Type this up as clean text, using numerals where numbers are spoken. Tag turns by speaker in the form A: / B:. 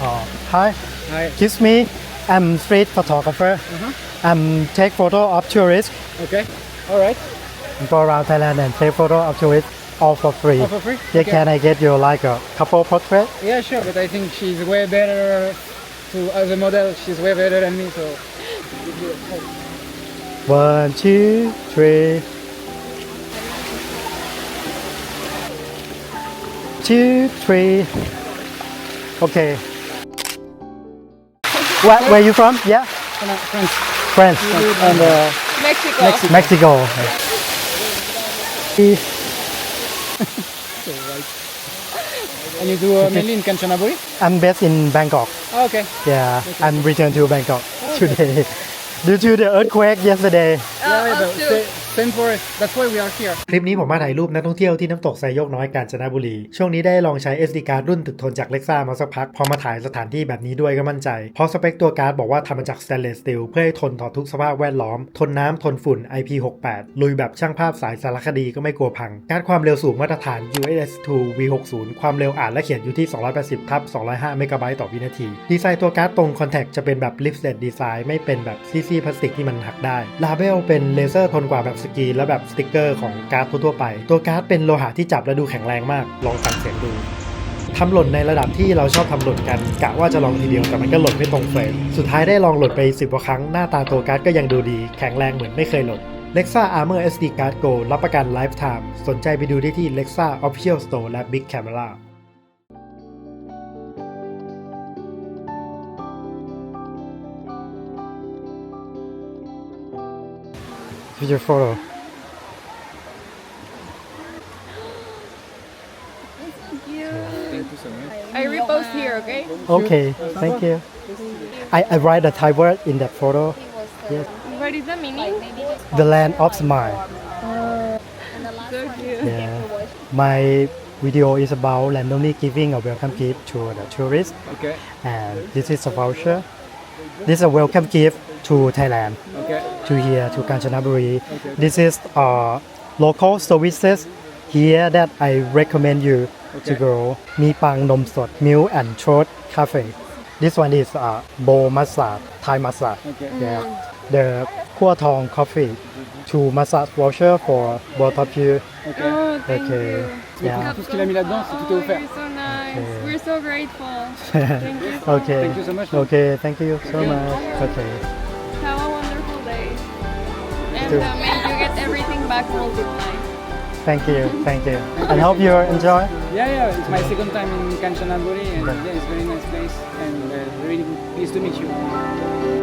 A: Hi,
B: Hi.
A: excuse me. I'm street photographer. Take photo of tourists.
B: Okay. All right.
A: Go around Thailand and take photo of tourists all for free.
B: All for free?
A: Yeah,
B: Okay.
A: can I get you like a couple portrait?
B: Yeah, sure. But I think she's way better to as a model. She's way better than me. So
A: 1, 2, 3. 2, 3. Okay. Where you from? Yeah,
B: friends.
A: France and
C: Mexico.
A: Mexico.
B: And you do mainly in Kanchanaburi?
A: I'm based in Bangkok.
B: Oh, okay.
A: Yeah, I'm returned to Bangkok today due to the earthquake yesterday.
B: Yeah, but same for us. That's why we are here.
A: คลิปนี้ผมมาถ่ายรูปนักท่องเที่ยวที่น้ำตกไซโยกน้อยกาญจนบุรีช่วงนี้ได้ลองใช้ SD card รุ่นตึกทนจาก Lexa มาสักพักพอมาถ่ายสถานที่แบบนี้ด้วยก็มั่นใจเพราะสเปคตัวการ์ดบอกว่าทำมาจาก stainless steel เพื่อให้ทนต่อทุกสภาพแวดล้อมทนน้ำทนฝุ่น IP68 ลุยแบบช่างภาพสายสารคดีก็ไม่กลัวพังการ์ดความเร็วสูงมาตรฐาน UHS-2 V60 ความเร็วอ่านและเขียนอยู่ที่280/205 เมกะไบต์ต่อวินาทีดีไซน์ตัวการ์ดตรง contact จะเป็นแบบ lifted design ไม่เป็นแบบซี่ๆพลาสติกที่มันหักได้ลาเบลเป็นเลเซอร์ทนกว่าแบบสกรีนและแบบสติกเกอร์ของการ์ดทั่วๆไปตัวการ์ดเป็นโลหะที่จับและดูแข็งแรงมากลองฟังเสียงดูทำหล่นในระดับที่เราชอบทำหล่นกันกะว่าจะลองทีเดียวแต่มันก็หล่นไม่ตรงเฟรมสุดท้ายได้ลองหล่นไป10 กว่าครั้งหน้าตาตัวการ์ดก็ยังดูดีแข็งแรงเหมือนไม่เคยหล่น Lexa Armor SD Card Go รับประกัน Lifetime สนใจไปดูได้ที่ Lexa Official Store และ Big Camera Future photo
B: Thank you so much.
C: I repost here, okay?
A: Okay, thank you. I write a Thai word in that photo. Yes.
C: What is the meaning?
A: The land of smile.
C: So cute.
A: Yeah. My video is about randomly giving a welcome gift to the tourists.
B: Okay.
A: And this is a voucher. This is a welcome gift to Thailand,
B: Okay.
A: to here, to Kanchanaburi. This is local services here that I recommend you to go. มีปังนมสด Milk and Throat Cafe. This one is bowl massage, Thai massage.
B: Okay.
A: Yeah. The คั่วทอง coffee. 2 massage voucher for both of you.
B: Okay.
C: Oh, thank
A: Okay.
C: you.
A: Yeah.
B: Tout ce qu'il a mis là-dedans, c'est tout est
C: Oh,
B: offert.
C: you're so nice.
A: Okay.
C: We're so grateful. Thank you so
A: Okay.
B: Thank you so much.
A: Okay. Thank you so much. Okay.
C: much. Have a wonderful day. And
A: too.
C: may you get everything back multiplied.
A: Thank you. Thank you. And hope you enjoy.
B: Yeah. It's my second time in Kanchanaburi, and yeah, it's a very nice place, and really pleased to meet you.